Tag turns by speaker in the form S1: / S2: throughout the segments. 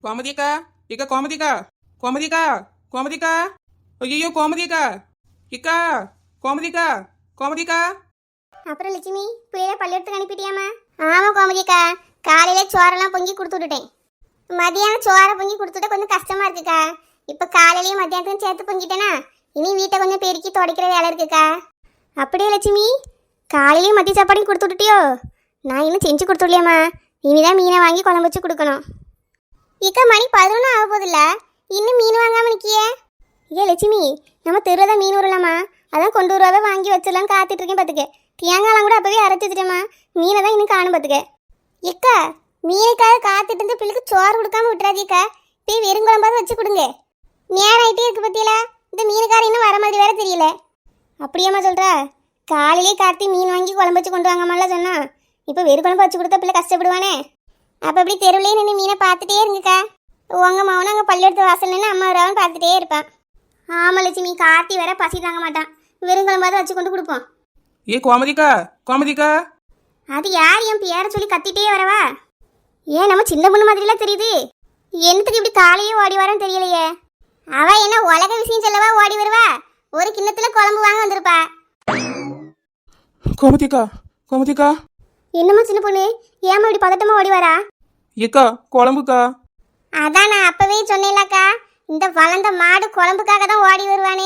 S1: கோமதிக்கா இக்கா கோமதிக்கா கோமதிக்கா கோமதிக்கா ஐயோ கோமதிக்கா இக்கா கோமதிக்கா கோமதிக்கா.
S2: அப்புறம் லட்சுமி பிள்ளைய பள்ளியெடுத்துக்கு அனுப்பிட்டியாமா? ஆமா கோமதிக்கா, காலையில சோறெல்லாம் பொங்கி கொடுத்து விட்டுட்டேன். மதியானம் சோறை பொங்கி கொடுத்துட்ட கொஞ்சம் கஷ்டமா இருக்குக்கா. இப்ப காலையிலயும் மத்தியானத்தையும் சேர்த்து பொங்கிட்டேனா இனி வீட்டை கொஞ்சம் பெருக்கி துடைக்கிற வேலை இருக்குக்கா. அப்படியே லட்சுமி காலையிலயும் மதிய சாப்பாடையும் கொடுத்து விட்டுட்டியோ? நான் இன்னும் செஞ்சு கொடுத்துடலையாம்மா, இனிதான் மீனை வாங்கி குழம்பு வச்சு கொடுக்கணும். இக்கா மணி 11 ஆக போதில்ல, இன்னும் மீன் வாங்காம நிக்கியே? ஏ லட்சுமி, நம்ம தெருவில் மீன் வரலாமா, அதான் கொண்டு வருவாவே வாங்கி வச்சிடலான்னு காத்துட்டு இருக்கேன் பார்த்துக்க. தேங்காய்லாம் கூட அப்பவே அரைச்சி வச்சுட்டேம்மா, மீனை தான் இன்னும் காணும் பார்த்துக்க. எக்கா மீனுக்காக காத்துட்டு இருந்து பிள்ளைக்கு சோறு கொடுக்காம விட்டுறாதீக்கா, போய் வெறுங்குழம்பாவது வச்சு கொடுங்க. நேரம் ஆகிட்டே இருக்கு பத்தியில, இந்த மீனுக்கார இன்னும் வர மாதிரி வேற தெரியல. அப்படியாம்மா சொல்கிறா? காலையிலே கார்த்தி மீன் வாங்கி குழம்பு வச்சு கொண்டு வாங்கம்மாலாம் சொன்னா, இப்போ வெறு குழம்பு வச்சு கொடுத்தா பிள்ளை கஷ்டப்படுவானே. அப்போ அப்படி தெருவிலே நின்று மீனை பார்த்துட்டே இருங்கக்கா. உங்கள் மகனும் அங்கே பள்ளியெடுத்து வாசல் நின்று அம்மா வரான்னு பார்த்துட்டே இருப்பான். ஆமாம் லட்சுமி, கார்த்தி வேற பசி தாங்க மாட்டான், வெறுங்குழம்பாவது வச்சு கொண்டு கொடுப்போம்.
S1: ஏ கோமதிக்கா கோமதிக்கா.
S2: அது யார் என் பேரை சொல்லி கத்திட்டே வரவா? ஏன் நம்ம சின்ன பொண்ணு மாதிரிலாம் தெரியுது, என்னத்துக்கு இப்படி காலையே ஓடி வரான்னு தெரியலையே. அவ என்ன உலக விஷயம் சொல்லவா ஓடி வருவா? ஒரு கிண்ணத்துல குழம்பு வாங்க வந்திருப்பா.
S1: கோமதிக்கா கோமதிக்கா.
S2: என்னம்மா சின்ன பொண்ணு, ஏமா இப்படி பதட்டமா ஓடி வரா?
S1: ஏக்கா குழம்புக்கா.
S2: அதான் நான் அப்பவே சொன்னேன்லக்கா, இந்த வளர்ந்த மாடு குழம்புக்காக தான் ஓடி வருவானே.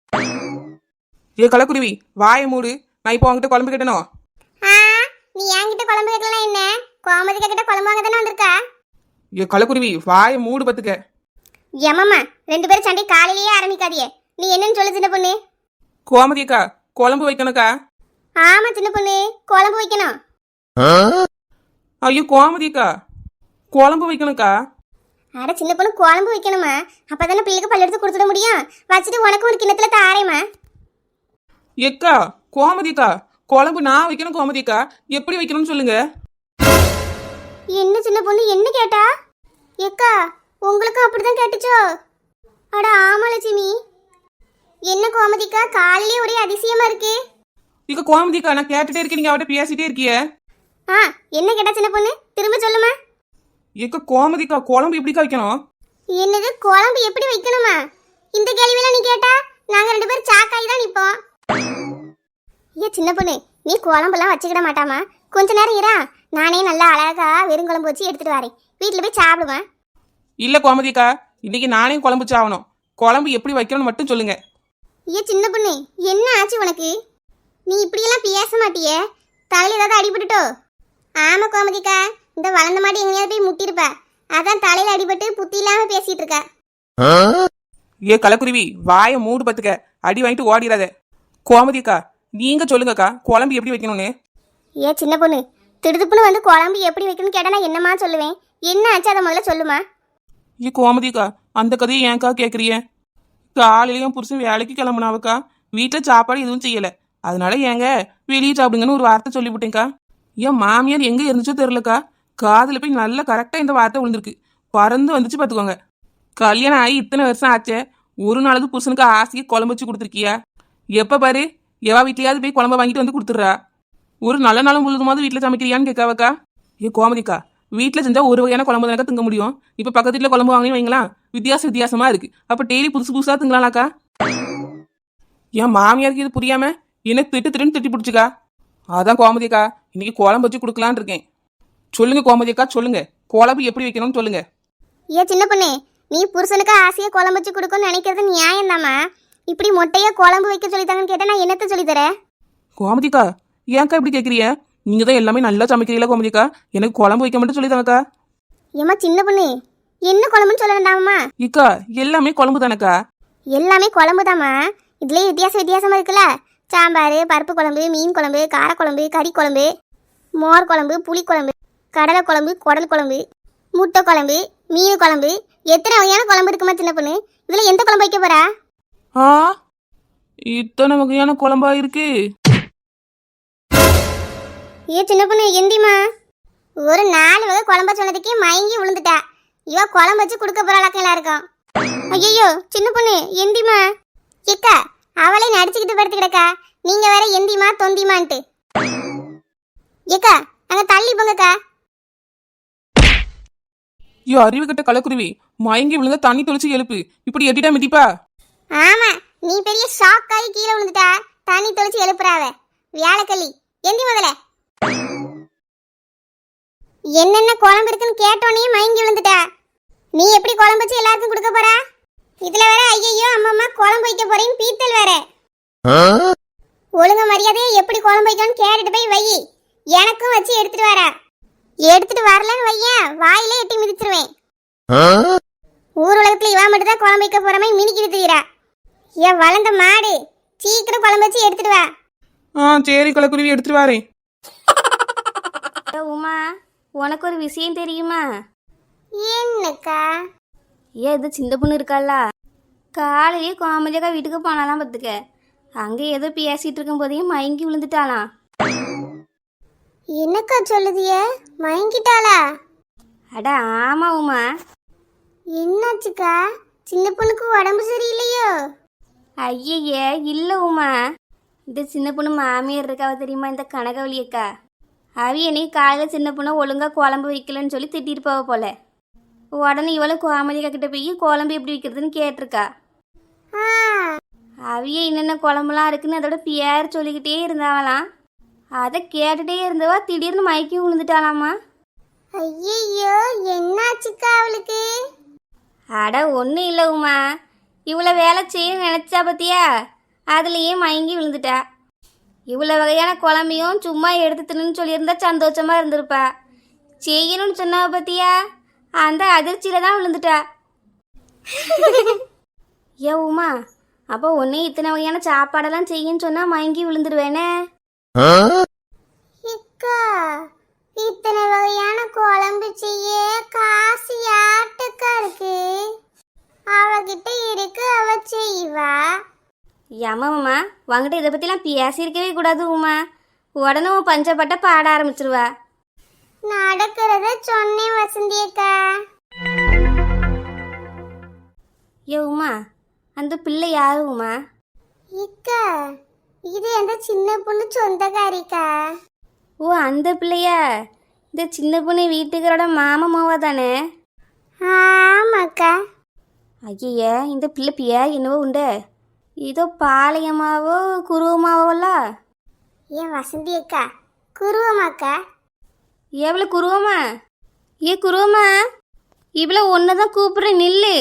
S1: ஏ கலக்குருவி வாயை மூடு, நான் இப்போ உங்ககிட்ட குழம்பு கேட்டணும்.
S2: நீ என்கிட்ட குழம்பு கேட்கலாம் என்ன, கோமதிக்கா கிட்ட குழம்பு வாங்க தானே வந்திருக்கா?
S1: ஏ கலக்குருவி வாயை மூடு பத்துக்க.
S2: ஏமாம்மா, 2 பேரும் சண்டை காலையிலேயே ஆரம்பிக்காதியே. நீ என்னன்னு சொல்லு சின்ன பொண்ணு.
S1: கோமதிக்கா குழம்பு வைக்கணுக்கா.
S2: ஆமா சின்ன பொண்ணு, குழம்பு வைக்கணும்.
S1: ஐயோ கோமதிக்கா குழம்பு வைக்கணுக்கா.
S2: அட சின்ன பொண்ணு குழம்பு வைக்கணுமா, அப்பதானே பிள்ளைக்கு பல்லெடுத்து கொடுத்துட முடியும். வச்சுட்டு உனக்கு ஒரு கிண்ணத்துல தாரேம்மா.
S1: எக்கா கோமதிக்கா குழம்பு நான் வைக்கணும். கோமதிக்கா எப்படி வைக்கணும்னு சொல்லுங்க.
S2: என்ன சின்ன பொண்ணு என்ன கேட்டா? எக்கா உங்களுக்கும் அப்படிதான் கேட்டுச்சோ? அட ஆமா லட்சுமி. என்ன கோமதிக்கா காலையிலே ஒரே அதிசயமா இருக்கு.
S1: இக்க கோமதிக்கா நான் கேட்டுட்டே இருக்கேன், நீங்க அவட்ட பேசிட்டே இருக்கிய.
S2: என்ன கேட்டா சின்ன பொண்ணு, திரும்ப சொல்லுமா.
S1: எக்க கோமதிக்கா குழம்பு எப்படிக்கா வைக்கணும்?
S2: என்னது குழம்பு எப்படி வைக்கணுமா? இந்த கேள்வியெல்லாம் நீ கேட்டா நாங்க 2 பேரும் சாக்காய் தான் நிப்போம். சின்ன பொண்ணு நீ குழம்பெல்லாம் வச்சுக்கிட மாட்டாமா, கொஞ்ச நேரம் இரா, நானே நல்லா அழகா வெறுங்குழம்பு வச்சு எடுத்துட்டு வரேன், வீட்டுல போய் சாப்பிடுவேன்.
S1: இல்ல கோமதிக்கா, இன்னைக்கு நானே குழம்பு சாவணும். குழம்பு எப்படி வைக்கணும்னு மட்டும் சொல்லுங்க.
S2: சின்ன பொண்ணு என்ன ஆச்சு உனக்கு? நீ இப்படியெல்லாம் பேச மாட்டியே, தலையில ஏதாவது அடிபட்டுட்டோ? ஆமா கோமதிக்கா, இந்த வளர்ந்த மாடி எங்கேயாவது போய் முட்டிருப்ப, அதான் தலையில அடிபட்டு புத்தி இல்லாம பேசிட்டு இருக்க.
S1: ஏ கலக்குருவி வாயை மூடு பத்துக்க, அடி வாங்கிட்டு ஓடிடாத. கோமதிக்கா நீங்க சொல்லுங்கக்கா குழம்பு எப்படி வைக்கணும்னு.
S2: சின்ன பொண்ணு திடுதுப்புன்னு வந்து குழம்பு எப்படி வைக்கணும்னு கேட்டா நான் என்னமா சொல்லுவேன்? என்ன ஆச்சு அதை முதல்ல சொல்லுமா.
S1: ஏ கோமதிக்கா அந்த கதையை ஏன்க்கா கேட்குறிய? காலையிலையும் புருஷன் வேலைக்கு கிளம்புனாவக்கா, வீட்டில் சாப்பாடு எதுவும் செய்யலை, அதனால ஏங்க வெளியே சாப்பிடுங்கன்னு ஒரு வார்த்தை சொல்லிவிட்டேங்க்கா. என் மாமியார் எங்கே இருந்துச்சோ தெரிலக்கா, காதில் போய் நல்லா கரெக்டாக இந்த வார்த்தை விழுந்திருக்கு, பறந்து வந்துச்சு பார்த்துக்கோங்க. கல்யாணம் ஆகி இத்தனை வருஷம் ஆச்சே, ஒரு நாளுக்கு புருஷனுக்கு ஆசையை குழம்பு வச்சு கொடுத்துருக்கியா? எப்போ பாரு எவா வீட்லையாவது போய் குழம்பு வாங்கிட்டு வந்து கொடுத்துட்றா, ஒரு நல்ல நாளும் முழுதுமாவது வீட்டில் சமைக்கிறியான்னு கேட்காவக்கா. ஏ கோமதிக்கா வீட்டில் செஞ்சால் ஒரு வகையான குழம்பு தானக்கா திங்க முடியும், இப்போ பக்கத்து வீட்டில் குழம்பு வாங்கினே வைங்களா, வித்தியாசமா இருக்கு, அப்போ டெய்லி புதுசு புதுசாக திங்கலாம்க்கா. என் மாமியாருக்கு இது புரியாம என்ன திட்டுன்னு திட்டி பிடிச்சிக்கா. அதான் கோமதிக்கா இன்னைக்கு குழம்பு வச்சு கொடுக்கலான் இருக்கேன். சொல்லுங்க கோமதிக்கா சொல்லுங்க, குழம்பு எப்படி வைக்கணும்னு சொல்லுங்க.
S2: சின்ன பொண்ணு நீ புருஷனுக்கு ஆசையை குழம்பு வச்சு கொடுக்கணும்னு நினைக்கிறது நியாயம் தாமா, இப்படி மொட்டையா குழம்பு வைக்க சொல்லித்தாங்கன்னு கேட்டா நான் என்னத்த சொல்லித்தரேன்?
S1: கோமதிக்கா ஏன்க்கா இப்படி கேட்குறிய? நீங்க தான் எல்லாமே நல்லா சமைக்கிறீங்களா கோமதிக்கா, எனக்கு குழம்பு வைக்க மட்டும் சொல்லித்தாங்கக்கா.
S2: ஏமா சின்ன பொண்ணு என்ன குழம்புன்னு சொல்ல வேண்டாமா?
S1: இக்கா எல்லாமே குழம்பு தானக்கா.
S2: எல்லாமே குழம்பு தாமா, இதுலயே வித்தியாசமா இருக்குல்ல, சாம்பார், பருப்பு குழம்பு, மீன் குழம்பு, காரக்குழம்பு, கறி குழம்பு, மோர் குழம்பு, புளி குழம்பு, கடலை குழம்பு, குடல் குழம்பு, முட்டை குழம்பு, மீன் குழம்பு, எத்தனை வகையான குழம்பு இருக்குமா சின்ன பொண்ணு, இதுல எந்த குழம்பு வைக்க போறா?
S1: இத்தனை வகையான குழம்பா இருக்கு.
S2: சின்ன பொண்ணு எந்திமா, ஒரு 4 வகை குழம்பா சொன்னதுக்கே மயங்கி விழுந்துட்டா, இவ குழம்பு வச்சு கொடுக்க போறாளாக்க எல்லாருக்கும். ஐயோ சின்ன பொண்ணு எந்திமா. ஏக்கா அவளே நடிச்சுக்கிட்டு படுத்து கிடக்கா, நீங்க வேற எந்திமா தொந்திமான்ட்டு. ஏக்கா அங்க தள்ளி போங்கக்கா.
S1: ஐயோ அறிவு கட்ட கலக்குருவி, மயங்கி விழுந்தா தண்ணி தொளிச்சு எழுப்பு, இப்படி எட்டிட்டா மிதிப்பா?
S2: ஆமா, நீ பெரிய ஷாக் ஆகி கீழே விழுந்துட்டா தண்ணி தொளிச்சு எழுப்புறாவ. வியாழக்கல்லி எந்தி முதல்ல. என்னென்ன குழம்பு இருக்குன்னு கேட்டோன்னே மயங்கி விழுந்துட்டா. நீ எப்படி குழம்பு வச்சு எல்லாருக்கும் கொடுக்க போறா? இதுல வேற ஐயையோ அம்மம்மா குழம்பு வைக்க போறேன்னு பீத்தல் வேற. ஒழுங்க மரியாதையை எப்படி குழம்பு வைக்கணும்னு கேட்டுட்டு போய் வை. எனக்கும் வச்சு எடுத்துட்டு வரா. எடுத்துட்டு வரலன்னு வையேன், வாயிலே எட்டி மிதிச்சிருவேன். ஊர் உலகத்துல இவா மட்டும் தான் குழம்பு வைக்க போறமே மினிக்கிட்டு தீரா. ஏன் வளர்ந்த மாடு, சீக்கிரம் குழம்பு வச்சு எடுத்துட்டு வா.
S1: சரி கலக்குருவி, எடுத்துட்டு வரேன்.
S3: உமா, உனக்கு ஒரு விஷயம் தெரியுமா?
S2: என்னக்கா?
S3: ஏன் இது சின்ன பொண்ணு இருக்காளா, காலையிலேயே கோமதியக்கா வீட்டுக்கு போனாலாம் பார்த்துக்க. அங்கே ஏதோ பேசிட்டு இருக்கும் போதையும் மயங்கி விழுந்துட்டாளாம்.
S2: என்னக்கா சொல்லுதிய? மயங்கிட்டாளா?
S3: அட ஆமா உமா.
S2: என்னாச்சுக்கா? சின்ன பொண்ணுக்கு உடம்பு சரியில்லையோ?
S3: ஐயே இல்லை உமா, இந்த சின்ன பொண்ணு மாமியார் இருக்காவ தெரியுமா, இந்த கனகவழி அக்கா. என்னை காலையில் சின்ன பொண்ணை ஒழுங்காக குழம்பு வைக்கலன்னு சொல்லி திட்டிட்டு போவ போல. உடனே இவளும் கோமதிக்கா கிட்ட போய் குழம்பு எப்படி வைக்கிறதுன்னு கேட்டிருக்கா. என்னென்ன குழம்புலாம் இருக்குன்னு அதோட பேர் சொல்லிக்கிட்டே இருந்தாவலாம். அதை கேட்டுட்டே இருந்தவா திடீர்னு மயக்கி விழுந்துட்டாளாமா.
S2: ஐயோ, என்னாச்சுக்கா அவளுக்கு?
S3: அட ஒன்றும் இல்லை உமா, இவ்வளோ வேலை செய்ய நினச்சா பத்தியா, அதுலேயே மயங்கி விழுந்துட்டா. இவ்வளோ வகையான குழம்பையும் சும்மா எடுத்து தின்னு சொல்லியிருந்தா சந்தோஷமா இருந்திருப்பா. செய்யணும்னு சொன்னாவ பத்தியா, அந்த அதிர்ச்சியில தான் விழுந்துட்டா. ஏ உமா, அப்போ ஒன்னே இத்தனை வகையான சாப்பாடெல்லாம் செய்யன்னு சொன்னா மயங்கி விழுந்துடுவேனே.
S2: இத்தனை வகையான குழம்பு செய்ய காசு யாட்டுக்கா இருக்கு? அவகிட்ட இருக்கு, அவ செய்வா.
S3: ஏமாம்மா, உங்ககிட்ட இதை பற்றிலாம் பேசியிருக்கவே கூடாது உமா. உடனே உன் பஞ்சப்பட்ட பாட ஆரம்பிச்சிருவா.
S2: நடக்கிறத சொன்னேன் வசந்தியக்கா.
S3: ஏ உமா, அந்த பிள்ளை யாரு உமா?
S2: இக்கா, இது அந்த சின்ன பொண்ணு சொந்தக்காரிக்கா.
S3: ஓ அந்த பிள்ளையா? இந்த சின்ன பொண்ணு வீட்டுக்காரோட மாமாவா தானே?
S2: ஆமாக்கா.
S3: ஐய, இந்த பிள்ளை பியா என்னவோ உண்டு, இதோ பாளையமாவோ குருவமாவோல.
S2: ஏன் வசந்தியக்கா, குருவமாக்கா?
S3: எவ்வளோ குருவமா? ஏ குருவமா, இவ்வளோ ஒன்று தான் கூப்பிட்றேன் நில்லு.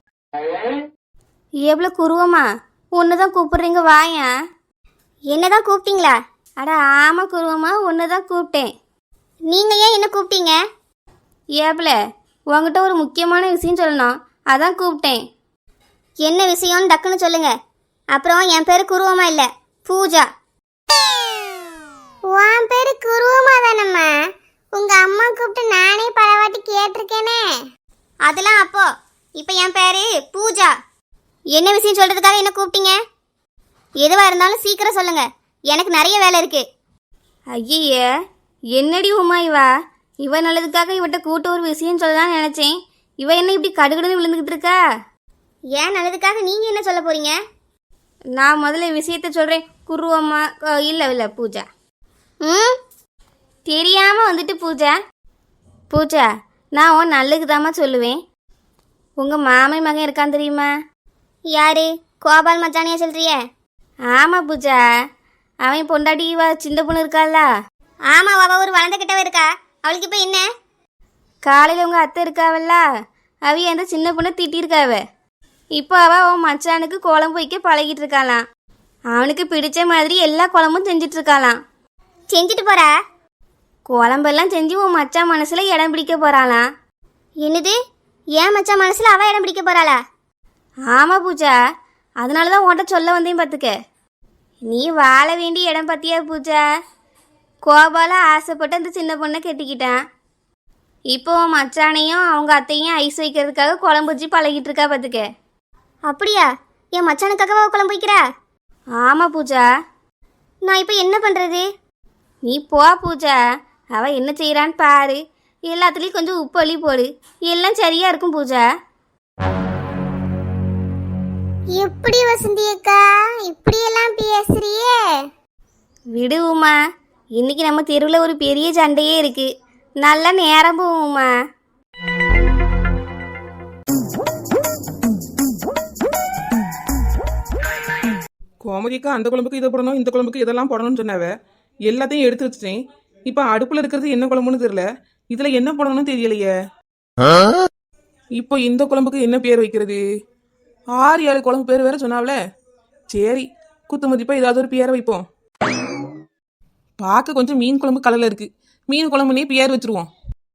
S3: எவ்வளோ குருவமா, ஒன்று தான் கூப்பிட்றீங்க வாயா.
S2: என்னதான் கூப்பிட்டீங்களா?
S3: அட ஆமாம் குருவமா, ஒன்று தான் கூப்பிட்டேன்.
S2: நீங்கள் ஏன் என்ன கூப்பிட்டீங்க?
S3: ஏப்ல, உங்ககிட்ட ஒரு முக்கியமான விஷயம் சொல்லணும், அதான் கூப்பிட்டேன்.
S2: என்ன விஷயம்னு டக்குன்னு சொல்லுங்க. அப்புறம் என் பேரு குருவமா இல்லை, பூஜா. உன் பேரு குருவமா தானம்மா? உங்க அம்மா கூப்பிட்டு நானே பலவாட்டி கேட்டிருக்கேனே. அதெல்லாம் அப்போ. இப்போ என் பேரு பூஜா. என்ன விஷயம் சொல்றதுக்காக என்ன கூப்பிட்டீங்க? எதுவாக இருந்தாலும் சீக்கிரம் சொல்லுங்க, எனக்கு நிறைய வேலை இருக்கு.
S3: ஐய, என்னடி உமா இவா? இவ நல்லதுக்காக இவட்ட கூட்ட ஒரு விஷயம் சொல்லலாம்னு நினைச்சேன். இவ என்ன இப்படி கடுகடுன்னு விழுந்துக்கிட்டு இருக்கா?
S2: ஏன் நல்லதுக்காக நீங்க என்ன சொல்ல போறீங்க?
S3: நான் முதல்ல விஷயத்த சொல்றேன். குருவம்மா இல்லை பூஜா. தெரியாம வந்துட்டு பூஜா. பூஜா, நான் உன் நல்லதுக்கு தாம்மா சொல்லுவேன். உங்க மாமன் மகன் இருக்கான் தெரியுமா?
S2: யாரு? கோபால் மச்சானியா சொல்றிய?
S3: ஆமா பூஜா, அவன் பொண்டாட்டி சின்ன பொண்ணு இருக்காள்ல.
S2: ஆமா, அவ ஒரு வளர்ந்த கிட்டவ இருக்கா. அவளுக்கு இப்ப என்ன?
S3: காலையில் உங்க அத்தை இருக்காவல்ல, அவ அந்த சின்ன பொண்ணை திட்டிருக்காவ. இப்போ அவன் மச்சானுக்கு குழம்பு வைக்க பழகிட்டு இருக்காளாம். அவனுக்கு பிடிச்ச மாதிரி எல்லா குழம்பும் செஞ்சிட்டு இருக்காளாம்.
S2: செஞ்சுட்டு போறா?
S3: குழம்பெல்லாம் செஞ்சு உன் மச்சான் மனசுல இடம் பிடிக்க போறாளாம்.
S2: என்னது? ஏன் மச்சான் மனசுல அவ இடம் பிடிக்க போறாளா?
S3: ஆமா பூஜா, அதனால தான் உன்கிட்ட சொல்ல வந்தேன் பார்த்துக்க. நீ வாழ வேண்டிய இடம் பார்த்தியா பூஜா? கோபால ஆசைப்பட்டு அந்த சின்ன பொண்ணை கெட்டிக்கிட்டான். இப்போ உன் மச்சானையும் அவங்க அத்தையும் ஐஸ் வைக்கிறதுக்காக குழம்பு வச்சு பழகிட்டு இருக்கா பார்த்துக்க.
S2: அப்படியா? என் மச்சானுக்காகவா குழம்பு வைக்கிறா?
S3: ஆமா பூஜா.
S2: நான் இப்போ என்ன பண்றது?
S3: நீ போ பூஜா, அவ என்ன செய்யறான்னு பாரு. எல்லாத்துலேயும் கொஞ்சம் உப்பு அள்ளி போடு, எல்லாம் சரியா இருக்கும் பூஜா.
S2: எப்படி வசந்தி அக்கா இப்படியெல்லாம் பேசுறியே?
S3: விடு உமா, இன்னைக்கு நம்ம தெருவில் ஒரு பெரிய சண்டையே இருக்கு. நல்லா நேரம் போகுமா.
S1: கோமதிக்கா அந்த குழம்புக்கு இதை போடணும், இந்த குழம்புக்கு இதெல்லாம் போடணும்னு சொன்னாவ. எல்லாத்தையும் எடுத்து வச்சுட்டேன். இப்போ அடுப்புல இருக்கிறது என்ன குழம்புன்னு தெரியல. இதுல என்ன போடணும்னு தெரியலையே. இப்போ இந்த குழம்புக்கு என்ன பேர் வைக்கிறது? 6-7 குழம்பு பேர் வேற சொன்னாவல. சரி, குத்து மதிப்பா ஏதாவது ஒரு பேரை வைப்போம். பார்க்க கொஞ்சம் மீன் குழம்பு கலர்ல இருக்கு. மீன் குழம்புனே பேர் வச்சிருவோம்.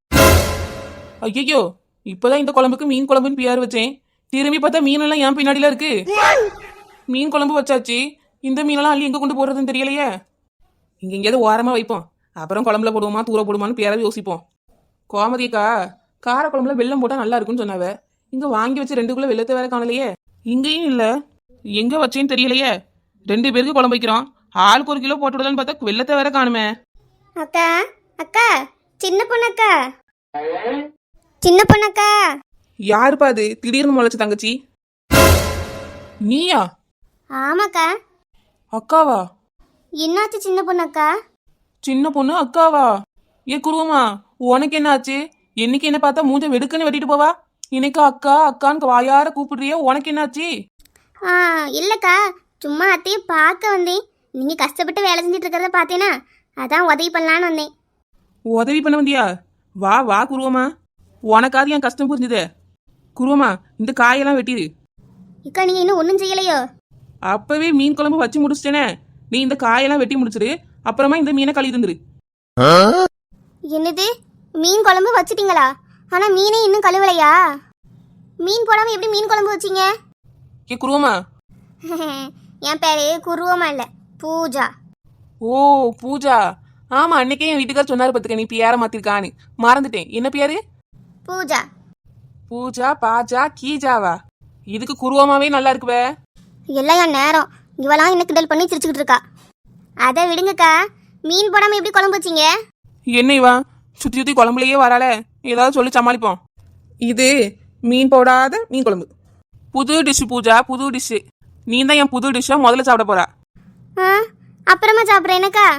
S1: ஐயோ, இப்போதான் இந்த குழம்புக்கு மீன் குழம்புன்னு பேர் வச்சேன். திரும்பி பார்த்தா மீனெல்லாம் என் பின்னாடிலாம் இருக்கு. மீன் குழம்பு வச்சாச்சு, இந்த மீனெல்லாம் அள்ளி எங்க கொண்டு போடுறதுன்னு தெரியலையே. இங்க எங்கேயாவது ஓரமா வைப்போம். அப்புறம் குழம்புல போடுவோமா தூர போடுமான்னு பேரவே யோசிப்போம். கோமதிக்கா கார குழம்புல வெல்லம் போட்டா நல்லா இருக்கும்னு சொன்னாவ. இங்க வாங்கி வச்சு 2 கிலோ வெள்ளத்தை வேற காணலையே. இங்கேயும் இல்ல, எங்க வச்சேன்னு தெரியலையே. 2 பேருக்கு குழம்பு வைக்கிறோம், ஆளுக்கு 1 கிலோ போட்டு விடலான்னு பார்த்தா வெள்ளத்தை வேற காணுமே.
S2: அக்கா அக்கா சின்ன பொண்ணக்கா சின்ன பொண்ணக்கா.
S1: யாருப்பா அது திடீர்னு முளைச்ச தங்கச்சி? நீயா?
S2: ஆமாக்கா.
S1: அக்காவா?
S2: என்னாச்சு சின்ன பொண்ணக்கா?
S1: சின்ன பொண்ணு அக்காவா? ஏ குருவமா, உனக்கு என்ன ஆச்சு? என்னைக்கு என்ன பார்த்தா மூஞ்ச வெடுக்குன்னு வெட்டிட்டு போவா. இன்னைக்கு அக்கா அக்கான்னு வாயார கூப்பிடுறிய, உனக்கு என்னாச்சு?
S2: இல்லக்கா, சும்மா அத்தையை பார்க்க வந்தேன். நீங்க கஷ்டப்பட்டு வேலை செஞ்சுட்டு இருக்கிறத பார்த்தேனா, அதான் உதவி பண்ணலான்னு வந்தேன்.
S1: உதவி பண்ண வந்தியா? வா வா குருவமா, உனக்காவது என் கஷ்டம் புரிஞ்சுதே. குருவமா, இந்த காயெல்லாம் வெட்டிடு.
S2: இக்கா நீங்க இன்னும் ஒன்றும் செய்யலையோ?
S1: அப்பவே மீன் குழம்பு வச்சு முடிச்சிட்டேனே. நீ இந்த காயெல்லாம் வெட்டி முடிச்சிரு, அப்புறமா இந்த மீனை கழுவி தந்துரு.
S2: என்னது, மீன் குழம்பு வச்சிட்டீங்களா? ஆனா மீனே இன்னும் கழுவலையா? மீன் போடாம எப்படி மீன் குழம்பு வச்சீங்க?
S1: ஏ குருவமா.
S2: என் பேரு குருவமா இல்ல, பூஜா.
S1: ஓ பூஜா. ஆமா, அன்னைக்கே என் வீட்டுக்கார சொன்னாரு பத்துக்க, நீ பேர மாத்திருக்கான்னு. மறந்துட்டேன். என்ன பேரு?
S2: பூஜா.
S1: பூஜா பாஜா கீஜாவா? இதுக்கு குருவமாவே நல்லா இருக்குவே.
S2: எல்லாம் என் நேரம். இவெல்லாம் என்ன கிண்டல் பண்ணி சிரிச்சுக்கிட்டு இருக்கா. அதை விடுங்கக்கா, மீன் போடாம எப்படி குழம்பு வச்சீங்க?
S1: என்ன இவா சுத்தி சுத்தி குழம்புலயே வரால, ஏதாவது சொல்லி சமாளிப்போம். இது மீன் போடாத மீன் குழம்பு. புது டிஷ் பூஜா, புது டிஷ். நீ தான் என் புது டிஷ்ஷா முதல்ல சாப்பிட போறா.
S2: அப்புறமா சாப்பிட்றேன் என்னக்கா.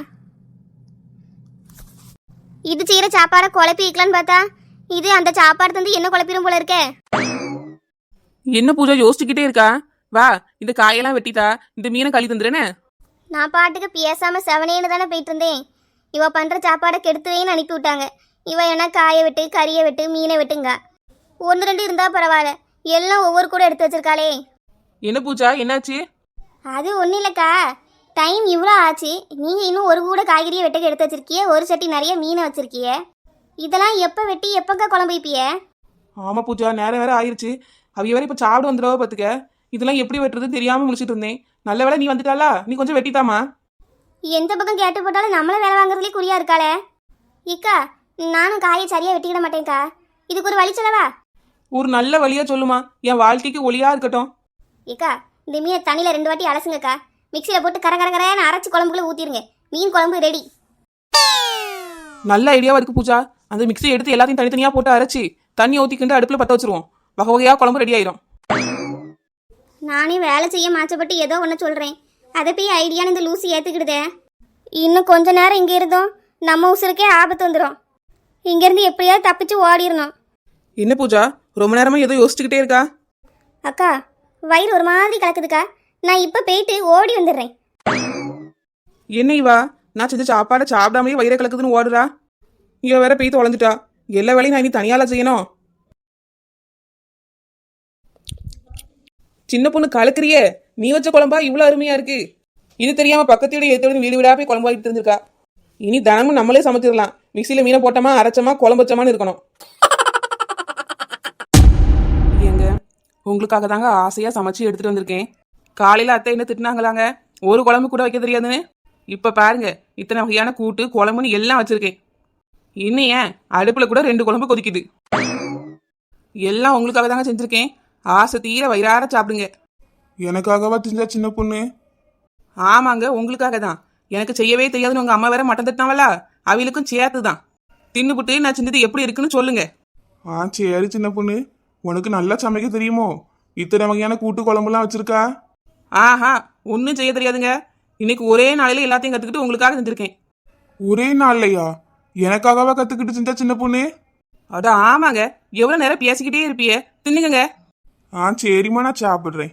S2: இது செய்யற சாப்பாடை குழப்பி வைக்கலான்னு பார்த்தா, இது அந்த சாப்பாடு தந்து என்ன குழப்பிடும் போல இருக்கே.
S1: என்ன பூஜா யோசிச்சுக்கிட்டே இருக்கா? வா, இந்த காயெல்லாம் வெட்டிட்டா இந்த மீனை கழி தந்துருன்னு.
S2: நான் பாட்டுக்கு பேசாம செவனேன்னு தானே போயிட்டு இருந்தேன். இவ பண்ற சாப்பாடை கெடுத்துவேன்னு அனுப்பி விட்டாங்க. இவ என்ன காயை விட்டு கறியை விட்டு மீனை விட்டுங்க. 1-2 இருந்தா பரவாயில்ல, எல்லாம் ஒவ்வொரு கூட எடுத்து வச்சிருக்காளே.
S1: என்ன பூஜா, என்னாச்சு?
S2: அது ஒன்றும் இல்லைக்கா, டைம் இவ்வளோ ஆச்சு, நீங்கள் இன்னும் ஒரு கூட காய்கறியை வெட்டுக்கு எடுத்து வச்சிருக்கிய, ஒரு சட்டி நிறைய மீனை வச்சிருக்கிய. இதெல்லாம் எப்போ வெட்டி எப்போக்கா குழம்பு வைப்பிய?
S1: ஆமா பூஜா, நேரம் வேற ஆயிருச்சு. அவைய வேற இப்ப சாப்பிட வந்துடுவா பாத்துக்க. இதெல்லாம் எப்படி வெட்டுறதுன்னு தெரியாம முடிச்சிட்டு இருந்தேன். நல்ல வேளை நீ வந்துட்டாளா, நீ கொஞ்சம் வெட்டித்தாமா.
S2: எந்த பக்கம் கேட்டு போட்டாலும் நம்மள வேலை வாங்குறதுலேயே குறியா இருக்காளே. இக்கா, நானும் காயை சரியா வெட்டிக்கிட மாட்டேன்க்கா. இதுக்கு ஒரு வழி சொல்லவா?
S1: ஒரு நல்ல வழியா சொல்லுமா, என் வாழ்க்கைக்கு ஒளியா இருக்கட்டும்.
S2: இக்கா, இந்த மீனை தண்ணியில் 2 வாட்டி அலசுங்கக்கா. மிக்சியில் போட்டு கரகரன்னு அரைச்சி குழம்புக்குள்ள ஊற்றிருங்க. மீன் குழம்பு ரெடி.
S1: நல்ல ஐடியாவா இருக்கு பூஜா. அந்த மிக்ஸி எடுத்து எல்லாத்தையும் தனித்தனியா போட்டு அரைச்சி தண்ணி ஊற்றிக்கிண்டு அடுப்புல பற்ற வச்சிருவோம். வகை வகையா குழம்பு ரெடி ஆயிரும்.
S2: நானே வேலை செய்ய மாற்றப்பட்டு ஏதோ ஒன்று சொல்கிறேன், அதை போய் ஐடியான்னு இந்த லூசி ஏற்றுக்கிடுதே. இன்னும் கொஞ்ச நேரம் இங்கே இருந்தோம், நம்ம உசுருக்கே ஆபத்து வந்துடும். இங்கேருந்து எப்படியாவது தப்பிச்சு ஓடிடணும்.
S1: என்ன பூஜா, ரொம்ப நேரமா ஏதோ யோசிச்சுக்கிட்டே இருக்கா?
S2: அக்கா, வயிறு ஒரு மாதிரி கலக்குதுக்கா. நான் இப்போ போயிட்டு ஓடி வந்துடுறேன்.
S1: என்ன இவா, நான் செஞ்ச சாப்பாடை சாப்பிடாமலே வயிறை கலக்குதுன்னு ஓடுறா. இவ வேற போய் தொலைஞ்சிட்டா. எல்லா வேலையும் நான் இனி தனியால செய்யணும். சின்ன பொண்ணு கலக்குறியே, நீ வச்ச குழம்பா இவ்வளவு அருமையா இருக்கு. இது தெரியாம பக்கத்து வீடு எடுத்து வீடு வீடா போய் குழம்பு வாங்கிட்டு இருந்திருக்கா. இனி தினமும் நம்மளே சமைச்சிடலாம். மிக்சியில மீனை போட்டோமா, அரைச்சமா, குழம்பு வச்சமான்னு இருக்கணும். ஏங்க, உங்களுக்காக தாங்க ஆசையா சமைச்சு எடுத்துட்டு வந்திருக்கேன். காலையில அத்தை என்ன திட்டினாங்களாங்க, ஒரு குழம்பு கூட வைக்க தெரியாதுன்னு. இப்ப பாருங்க, இத்தனை வகையான கூட்டு குழம்புன்னு எல்லாம் வச்சிருக்கேன். இன்னும் ஏன் அடுப்புல கூட 2 குழம்பு கொதிக்குது. எல்லாம் உங்களுக்காக தாங்க செஞ்சிருக்கேன். ஆசை தீர வயிறார சாப்பிடுங்க.
S4: எனக்காகவா செஞ்சா சின்ன பொண்ணு?
S1: ஆமாங்க, உங்களுக்காக தான். எனக்கு செய்யவே தெரியாதுன்னு உங்க அம்மா வேற மட்டம் தட்டினாவலா, அவளுக்கும் சேர்த்து தான். தின்னுபுட்டு நான் செஞ்சது எப்படி இருக்குன்னு சொல்லுங்க.
S4: சரி சின்ன பொண்ணு, உனக்கு நல்லா சமைக்க தெரியுமோ? இத்தனை வகையான கூட்டு குழம்புலாம் வச்சிருக்கா?
S1: ஆஹா, ஒன்றும் செய்ய தெரியாதுங்க. இன்னைக்கு ஒரே நாளையில எல்லாத்தையும் கத்துக்கிட்டு உங்களுக்காக செஞ்சிருக்கேன்.
S4: ஒரே நாள்லையா? எனக்காகவா கத்துக்கிட்டு செஞ்சா சின்ன பொண்ணு?
S1: அட ஆமாங்க, எவ்வளவு நேரம் பேசிக்கிட்டே இருப்பியே, தின்னுங்க.
S4: ஆ சரிம்மா, நான் சாப்பிட்றேன்.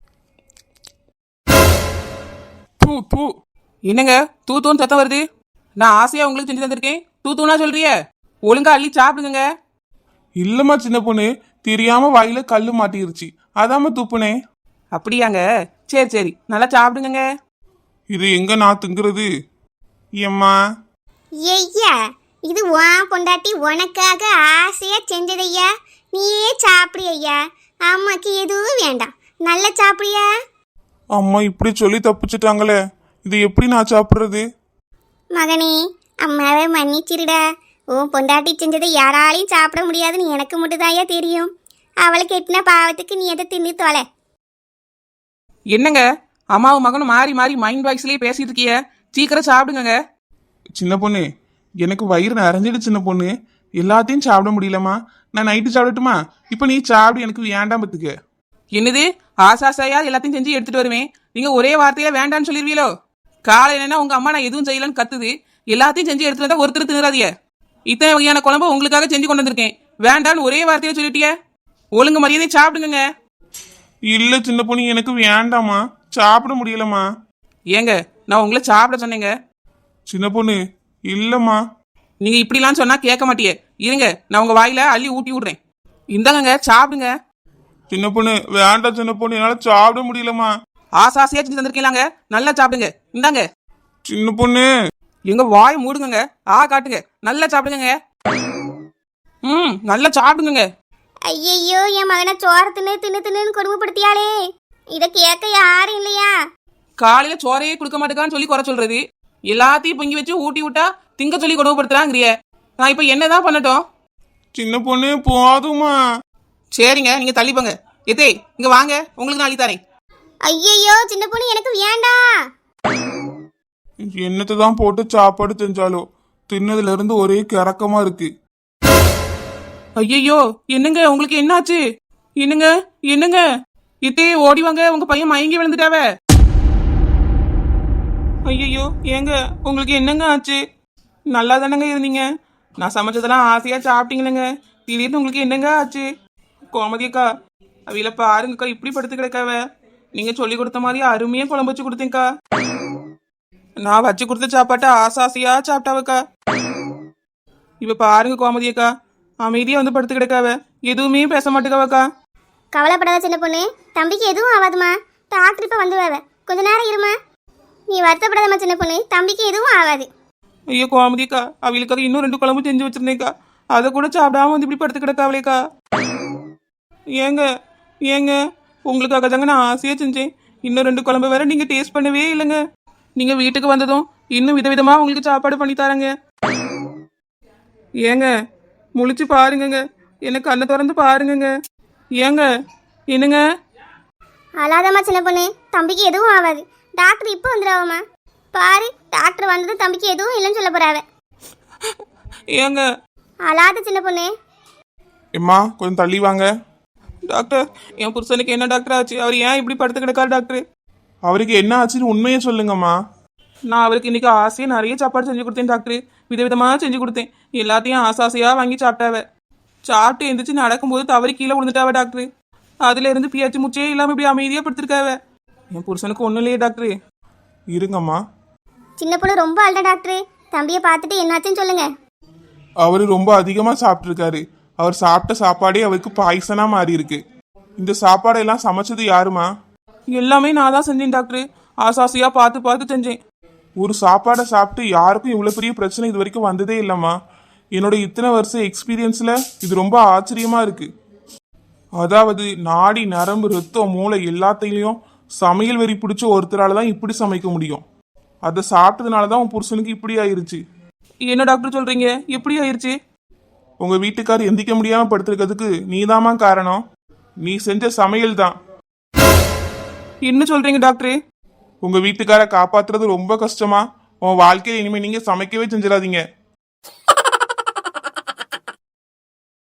S4: தூ தூ.
S1: என்னங்க தூத்தூன்னு சத்தம் வருது? நான் ஆசையா உங்களுக்கு செஞ்சு தந்திருக்கேன், தூத்தூனா சொல்றிய? ஒழுங்கா அள்ளி சாப்பிடுங்க.
S4: இல்லம்மா சின்ன பொண்ணு, தெரியாம வாயில கல்லு மாட்டிருச்சு, அதாம்மா துப்புனேன்.
S1: அப்படியாங்க, சரி சரி, நல்லா சாப்பிடுங்க.
S4: இது எங்க நான் திங்கிறது? ஏம்மா
S2: ஐயா, இது உன் பொண்டாட்டி உனக்காக ஆசையா செஞ்சதையா, நீயே சாப்பிடு ஐயா. அம்மாக்கு எதுவும் வேண்டாம், நல்லா சாப்பிடியா?
S4: அம்மா இப்படி சொல்லி தப்பிச்சிட்டாங்களே, இது எப்படி நான் சாப்பிட்றது?
S2: மகனே, அம்மாவை மன்னிச்சிருடா. உன் பொண்டாட்டி செஞ்சதை யாராலையும் சாப்பிட முடியாதுன்னு எனக்கு மட்டும்தாயா தெரியும். அவளுக்கு எட்டின பாவத்துக்கு நீ எதை தின்னு தொலை.
S1: என்னங்க அம்மாவும் மகனும் மாறி மாறி மைண்ட் வாய்ஸ்லயே பேசிட்டு இருக்கிய, சீக்கிரம் சாப்பிடுங்க.
S4: சின்ன பொண்ணு, எனக்கு வயிறு நிறைஞ்சிடு சின்ன பொண்ணு, எல்லாத்தையும் சாப்பிட முடியலம்மா. நான் நைட்டு சாப்பிடட்டுமா? இப்போ நீ சாப்பிடு, எனக்கு வேண்டாம் பத்துக்க.
S1: என்னது ஆசாசையா எல்லாத்தையும் செஞ்சு எடுத்துட்டு வருவேன், நீங்க ஒரே வார்த்தையில வேண்டான்னு சொல்லிருவீங்களோ? காலையில உங்க அம்மா நான் எதுவும் செய்யலன்னு கத்துது, எல்லாத்தையும் செஞ்சு எடுத்துட்டு வந்தா ஒருத்தர் திணறாதிய. இத்தனை வகையான குழம்பு உங்களுக்காக செஞ்சு கொண்டு வந்திருக்கேன், வேண்டான்னு ஒரே வார்த்தையில சொல்லிட்டிய. ஒழுங்கு மரியாதை சாப்பிடுங்க.
S4: இல்ல சின்ன பொண்ணு, எனக்கு வேண்டாம்மா, சாப்பிட முடியலம்மா.
S1: ஏங்க நான் உங்களை சாப்பிட சொன்னேங்க.
S4: சின்ன பொண்ணு இல்லம்மா.
S1: நீங்க இப்படிலாம் சொன்னா கேட்க மாட்டியே, இருங்க நான் உங்க வாயில அள்ளி ஊட்டி விடுறேன். இந்தாங்க சாப்பிடுங்க.
S4: சின்ன பொண்ணு வேண்டாம் சின்ன பொண்ணு, என்னால சாப்பிட முடியலம்மா.
S1: ஆசாசையா செஞ்சு தந்திருக்கீங்களாங்க, நல்லா சாப்பிடுங்க. இந்தாங்க.
S4: சின்ன பொண்ணு.
S1: எங்க வாய் மூடுங்க, காட்டுங்க, நல்லா சாப்பிடுங்க. நல்லா சாப்பிடுங்க.
S2: ஐயையோ, என் மகனை சோறு தின்னு தின்னு தின்னுன்னு கொடுமைப்படுத்தியாளே. இதை கேட்க யாரும் இல்லையா?
S1: காலையில சோறையே கொடுக்க மாட்டேக்கான்னு சொல்லி குறை சொல்றது, எல்லாத்தையும் பொங்கி வச்சு ஊட்டி விட்டா திங்க சொல்லி கொடுமைப்படுத்துறாங்கிறிய. நான் இப்ப என்னதான் பண்ணட்டும்?
S4: சின்ன பொண்ணு போதுமா?
S1: சரிங்க, நீங்க தள்ளிப்போங்க. எதே இங்க வாங்க, உங்களுக்கு நான் அள்ளி தரேன்.
S2: ஐயையோ, சின்ன பொண்ணு எனக்கு வேண்டாம்.
S4: என்னத்தை தான் போட்டு சாப்பாடு செஞ்சாலோ, தின்னதுல இருந்து ஒரே கிறக்கமா இருக்கு.
S1: ஐயையோ, என்னங்க உங்களுக்கு என்னாச்சு? என்னங்க என்னங்க இத்தே ஓடி வாங்க, உங்க பையன் மயங்கி விழுந்துட்டாவ. ஐயையோ, ஏங்க உங்களுக்கு என்னங்க ஆச்சு? நல்லா தானங்க இருந்தீங்க, நான் சமைச்சதெல்லாம் ஆசையா சாப்பிட்டீங்களேங்க, திடீர்னு உங்களுக்கு என்னங்க ஆச்சு? கோமதியக்கா, அவையில பாருங்கக்கா, இப்படி படுத்து கிடக்காவ. நீங்க சொல்லி கொடுத்த மாதிரி அருமையா குழம்பு வச்சு கொடுத்தேங்க்கா. நான் வச்சு கொடுத்த சாப்பாட்டை ஆசாசியா சாப்பிட்டாவக்கா. இப்ப பாருங்க கோமதியக்கா, அமைதியா வந்து படுத்து கிடக்காவ, எதுவுமே பேச மாட்டேக்காவக்கா.
S2: கவலைப்படாத சின்ன பொண்ணு, தம்பிக்கு எதுவும் ஆகாதுமா. டாக்டர் இப்ப வந்துடுவாவ, கொஞ்ச நேரம் இருமா. நீ வருத்தப்படாதம்மா சின்ன பொண்ணு, தம்பிக்கு எதுவும் ஆகாது.
S1: ஐயோ கோமதியக்கா, அவளுக்காக இன்னும் 2 குழம்பு செஞ்சு வச்சிருந்தேக்கா, அதை கூட சாப்பிடாம வந்து இப்படி படுத்து கிடக்காவளேக்கா. ஏங்க ஏங்க உங்களுக்காக தாங்க நான் ஆசையா செஞ்சேன், இன்னும் 2 குழம்பு வேற நீங்க டேஸ்ட் பண்ணவே இல்லைங்க. நீங்க வீட்டுக்கு வந்ததும் இன்னும் விதவிதமா உங்களுக்கு சாப்பாடு பண்ணி தரேங்க. ஏங்க முழிச்சு பாருங்கங்க, எனக்கு கண்ணை திறந்து பாருங்கங்க. ஏங்க என்னங்க?
S2: அழாதம்மா சின்ன பொண்ணு, தம்பிக்கு எதுவும் ஆகாது. டாக்டர் இப்போ வந்துடுவாமா. பாரு, டாக்டர் வந்தது தம்பிக்கு எதுவும் இல்லைன்னு சொல்ல போறாவ.
S1: ஏங்க
S2: அழாத சின்ன பொண்ணு.
S4: எம்மா கொஞ்சம் தள்ளி வாங்க.
S1: டாக்டர், என் புருஷனுக்கு என்ன டாக்டர் ஆச்சு? அவர் ஏன் இப்படி படுத்து கிடக்காரு டாக்டர்?
S4: அவருக்கு என்ன ஆச்சுன்னு உண்மையை சொல்லுங்கம்மா.
S1: நான் அவருக்கு இன்னைக்கு ஆசையா நிறைய சாப்பாடு செஞ்சு கொடுத்தேன் டாக்டர், விதவிதமா செஞ்சு கொடுத்தேன், எல்லாத்தையும் ஆசாசையா வாங்கி சாப்பிட்டாவ. சாப்பிட்டு எந்திரிச்சு நடக்கும்போது தவறி கீழே விழுந்துட்டாவ டாக்டர். அதுல இருந்து பியாச்சு முச்சே இல்லாம இப்படி அமைதியா படுத்திருக்காவ. என் புருஷனுக்கு ஒண்ணும் இல்லையே டாக்டர்.
S4: இருங்கம்மா.
S2: சின்ன பொண்ணு ரொம்ப அழுத டாக்டர், தம்பியை பார்த்துட்டு என்னாச்சுன்னு சொல்லுங்க.
S4: அவரு ரொம்ப அதிகமா சாப்பிட்டுருக்காரு, அவர் சாப்பிட்ட சாப்பாடே அவருக்கு பாய்சனா மாறி இருக்கு. இந்த சாப்பாடெல்லாம் சமைச்சது யாருமா?
S1: எல்லாமே நான் தான் செஞ்சேன் டாக்டர், ஆசாசியா பார்த்து பார்த்து செஞ்சேன்.
S4: ஒரு சாப்பாடை சாப்பிட்டு யாருக்கும் இவ்வளவு பெரிய பிரச்சனை இது வரைக்கும் வந்ததே இல்லம்மா. என்னோட இத்தனை வருஷம் எக்ஸ்பீரியன்ஸ்ல இது ரொம்ப ஆச்சரியமா இருக்கு. அதாவது நாடி நரம்பு ரத்தம் மூளை எல்லாத்தையும் சமையல் வெறி பிடிச்ச ஒருத்தரால தான் இப்படி சமைக்க முடியும். அதை சாப்பிட்டதுனால தான் உன் புருஷனுக்கு இப்படி ஆயிருச்சு.
S1: என்ன டாக்டர் சொல்றீங்க? எப்படி ஆயிருச்சு?
S4: உங்க வீட்டுக்காரர் எந்திக்க முடியாம படுத்திருக்கிறதுக்கு நீதாம்மா காரணம். நீ செஞ்ச சமையல் தான்.
S1: என்ன சொல்றீங்க டாக்டர்?
S4: உங்க வீட்டுக்கார காப்பாத்துறது ரொம்ப கஷ்டமா. உன் வாழ்க்கையில இனிமே நீங்க சமைக்கவே செஞ்சிடாதீங்க.